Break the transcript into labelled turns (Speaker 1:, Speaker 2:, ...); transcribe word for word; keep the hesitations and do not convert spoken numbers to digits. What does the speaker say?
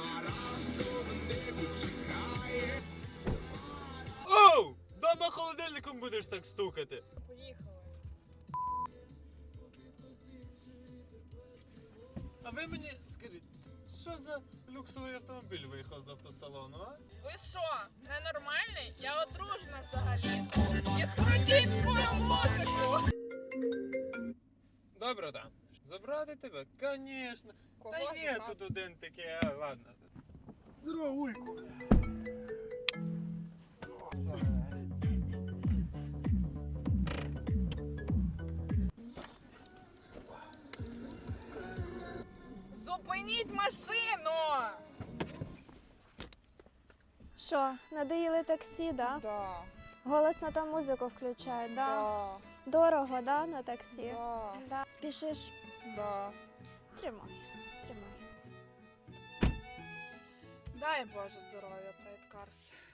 Speaker 1: Оу! Дома холодильником будеш так стукати.
Speaker 2: Поїхали.
Speaker 1: А ви мені скажіть, що за люксовий автомобіль виїхав з автосалону, а?
Speaker 2: Ви що, ненормальний? Я одружена взагалі. І скрутіть свою музику!
Speaker 1: Добре, да. Забрати тебе? Конечно.
Speaker 2: Кого
Speaker 1: Та є
Speaker 2: забрати?
Speaker 1: тут один такий, а ладно. Здорово, Уйку.
Speaker 2: Зупиніть машину!
Speaker 3: Що, надоїли таксі, да?
Speaker 2: Да,
Speaker 3: Голосно там музику включають, да?
Speaker 2: да,
Speaker 3: Дорого, да, на таксі?
Speaker 2: да,
Speaker 3: Да. Спішиш?
Speaker 2: да.
Speaker 3: Тримай, тримай.
Speaker 2: Дай Боже здоров'я, Прайд Карс.